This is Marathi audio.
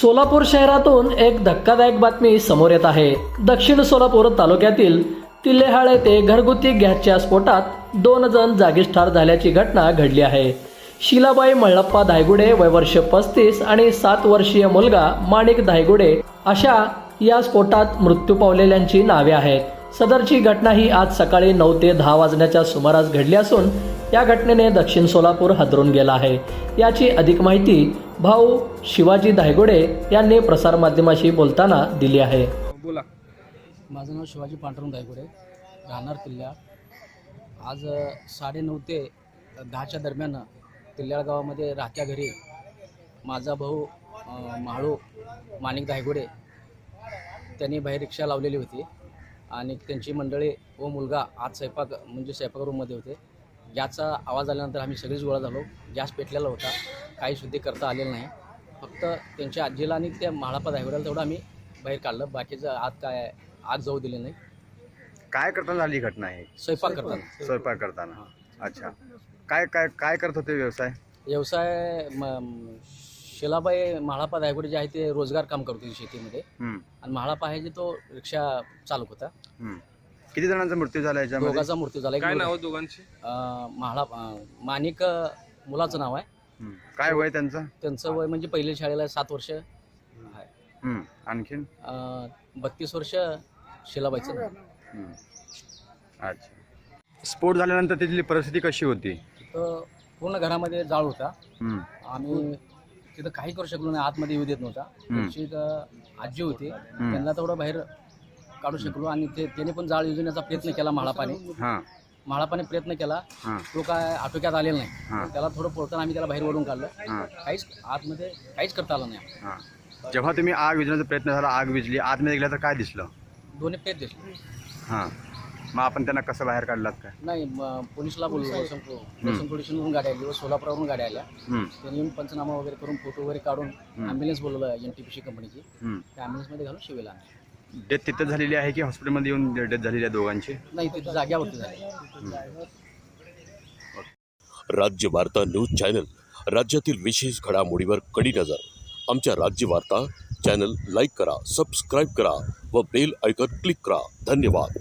सोलापूर शहरातून एक धक्कादायक बातमी समोर येत आहे। दक्षिण सोलापूर तालुक्यातील तिल्लेहाळ येथे घरगुती गॅसच्या स्फोटात 2 जण जागीच ठार झाल्याची घटना घडली आहे। शिलाबाई मल्लप्पा धायगुडे वय वर्ष 35 आणि 7 वर्षीय मुलगा माणिक धायगुडे अशा या स्फोटात मृत्यू पावलेल्यांची नावे आहेत। सदरची घटना ही आज सकाळी 9 ते 10 वाजण्याच्या सुमारास घडली असून या घटनेने दक्षिण सोलापूर हादरून गेला आहे। याची अधिक माहिती भाऊ शिवाजी धायगुडे यांनी प्रसारमाध्यमाशी बोलताना दिली आहे। बोला। माझं नाव शिवाजी पांडुरंग धायगुडे, राहणार तिल्ल्याळ। आज 9:30 ते 10च्या दरम्यान तिल्ल्याळ गावामध्ये राहत्या घरी माझा भाऊ म्हाळू माणिक धायगुडे त्यांनी बाहेर रिक्षा लावलेली होती आणि त्यांची मंडळी व मुलगा आज स्वयंपाक रूममध्ये होते। गॅसचा आवाज आल्यानंतर आम्ही सगळेच गोळा झालो। गॅस पेटलेला होता, काही शुद्धी करता आलेलं नाही। फक्त त्यांच्या आजीला आणि त्या म्हाळप्पा धायगुड्याला तेवढं आम्ही बाहेर काढलं, बाकीचं आत काय आग जाऊ दिली नाही। काय करताना झाली घटना आहे? स्वयंपाक करताना। अच्छा, काय काय काय करत होते व्यवसाय शिलाबाई म्हाळप्पा धायगुडे जे आहे ते रोजगार काम करत होते शेतीमध्ये आणि म्हाळप्पा आहे जे तो रिक्षा चालक होता। किती जणांचा मृत्यू झाला याच्यामध्ये? दोघांचा मृत्यू झाला। काय नाव दोघांची? माणिक मुलाचं नाव आहे। काय वय त्यांचं? त्यांचं वय म्हणजे पहिल्या शाळेला 7 वर्ष आहे। आणखीन 32 वर्ष शिलाबाईचं नाव। अच्छा, स्फोट झाल्यानंतर तिथली परिस्थिती कशी होती? तर पूर्ण घरामध्ये जाळ होता। आम्ही तिथं काही करू शकलो नाही, आतमध्ये येऊ देत नव्हता। त्यांची एक आजी होती, त्यांना तेवढं बाहेर काढू शकलो आणि त्याने पण जाळ योजण्याचा प्रयत्न केला। म्हाळप्पाने प्रयत्न केला, तो काय आटोक्यात आलेला नाही। त्याला थोडं पळताना आम्ही त्याला बाहेर ओढून काढलं, काहीच आतमध्ये काहीच करता आलं नाही। जेव्हा तुम्ही आग विझण्याचा प्रयत्न झाला, आग विझली, आतमध्ये गेल्या तर काय दिसलं? दोन्ही पेट दिसले। मग आपण त्यांना कसं बाहेर काढलात काय? नाही, पोलिसला बोललो, पोलिसांवरून गाड्या आली व सोलापुरावरून गाड्या आल्या। त्यांनी येऊन पंचनामा वगैरे करून फोटो वगैरे काढून ॲम्ब्युलन्स बोलवलं NTPC कंपनीची, त्या ॲम्ब्युलन्समध्ये घालून शिवेला आणलं। डेथ तिथं झालेली आहे की हॉस्पिटलमध्ये येऊन डेथ झालेली आहे दोघांची? नाही, तिथे जाग्यावरती झाली। राज्य वार्ता न्यूज चॅनल, राज्यातील विशेष घडामोडीवर कडी नजर। आमच्या राज्य वार्ता चॅनल लाईक करा, सबस्क्राईब करा व बेल आयकॉन क्लिक करा। धन्यवाद।